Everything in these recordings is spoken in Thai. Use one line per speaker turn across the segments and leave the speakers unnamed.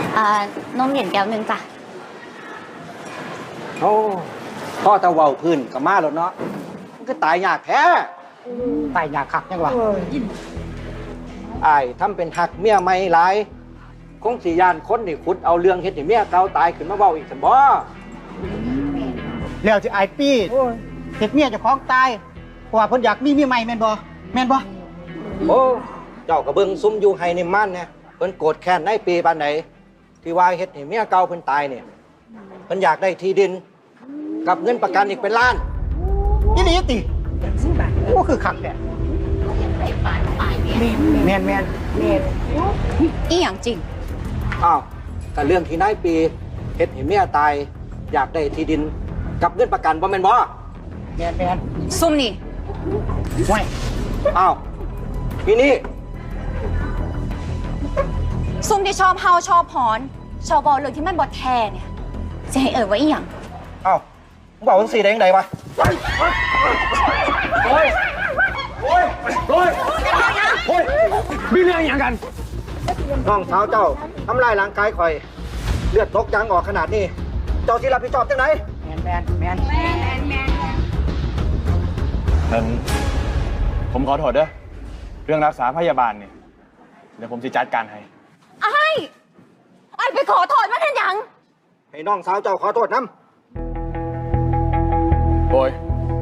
นมเย็นแก้วหนึ่งจ้ะ
โอ้พ่อตะเว้าพื้นกับมาแล้วเนาะมันก็ตายยากแท้ตายยากคักยังวะอ้ายทำเป็นหักเมียไม่หลายคงสิยานคนนี่ขุดเอาเรื่องเฮ็ดให้เมียเก่าตายขึ้นมาเว้าอีกซั่นบ่
แล้วสิไอปี้เฮ็ดเมียเจ้าของตายเพราะว่าเพิ่นอยากมีเมียใหม่แม่นบ่
โอ้เจ้าก็เบิ่งซุ่มอยู่ให้นี่มันเนี่ยเพิ่นโกรธแค้นในปีปานใดที่ว่าเฮ็ดให้เมียเก่าเพิ่นตายเนี่ยเพิ่นอยากได้ที่ดินกับเงินประกันอีกเป็นล้าน
อีหลีติโอ้คือคักแท้แม่น
อีหยังจริง
อ้าวก็เรื่องที่นายปีเฮ็ดให้เมียตายอยากได้ที่ดินกับเงินประกันบ่แม่นบ่
แม่น
ซุ่มนี่
ห่วย
อ้าวพี่นี่
ซุ่มที่ชอบเฮาชอบหอนชอบบอกเรื่องที่มันบ่แท้เนี่ยจะให้ว่าอีหยัง
อ้าวมึงบอกจังซี่ได้จังไดวะโอ้ย
มีเรื่องอย่างกัน
น้องสาวเจ้าทำลายร่างกายข่อยเลือดตกยางออกขนาดนี้เจ้าสิรับผิดชอบจังได
แม่น
นั้นผมขอโทษเด้อเรื่องรักษาพยาบาลเนี่ยเดี๋ยวผมจะจัดการให้
ไอ้ไปขอโทษมันเห็นยัง
ให้น้องสาวเจ้าขอโทษน้
ำโอ้ย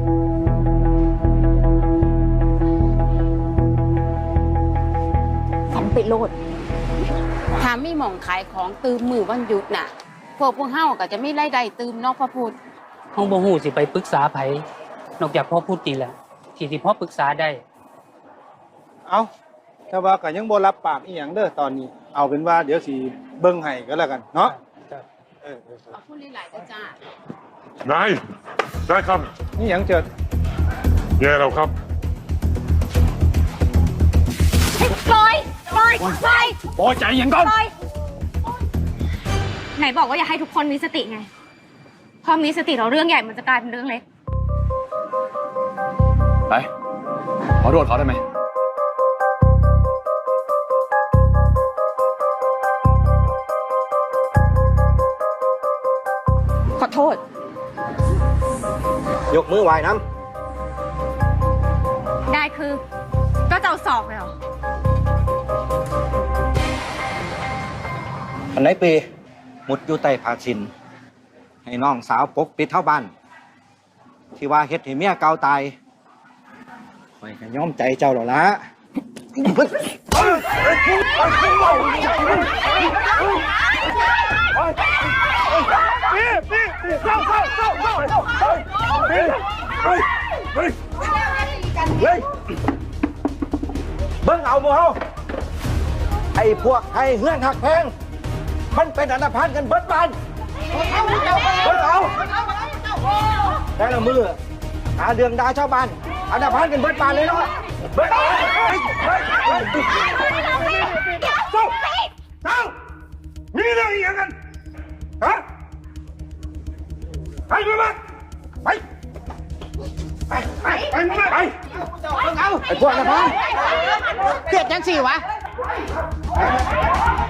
ฝันไปโลด
ถ้ามีหม่องขายของตืมมือวันหยุดน่ะพวกเฮาก็จะไม่ไล่ได้ตืมนอกพระพุทธ
ห้องบ่ฮู้สิไปปรึกษาไผนอกจากพ่อพูดนี่แหละที่พ่อปรึกษาได้
เอาแต่ว่าก็ยังบ่รับปากอีหยังเด้อตอนนี้เอาเป็นว่าเดี๋ยวสิเบิ่งให้ก็แล้วกันเนาะ
ขอบคุณหลายๆจ้า
ได้ครับ
นี่หยังเจิด
แย่แล้วครับ
ปล่อย
ใจเย็นก่อน
ไหนบอกว่าอยากให้ทุกคนมีสติไงพอมีสติเราเรื่องใหญ่มันจะกลายเป็นเรื่องเล็ก
ไปขอโทษเขาได้ไหม
ขอโทษ
ยกมือไหว้น้
ำได้คือก็จะเอาศอกเลยเหรอ
อันไหนปีมุดอยู่ใต้ผ้าสิ้นให้น้องสาวปกปิดเท่าบ้านที่ว่าเฮ็ดให้เมียเก่าตายข่อยก็ยอมใจเจ้าหรอละเบิ่งเอาหมู่เฮาไอ้พวกไอ้เฮือนหักแพงมันเป็นอันธพาลกันเบิดบ้านเบิ่งเอาแต่ละมือหาเรื่องด่าชาวบ้านอันธพาลกันเบิดบ้านเลยเนาะเบิดเอา
เจ้ามีเรื่องอีกอย่างกันฮะไปมาไปไ
ไอ้พวกอันธพาล
เกิดจังสี่วะ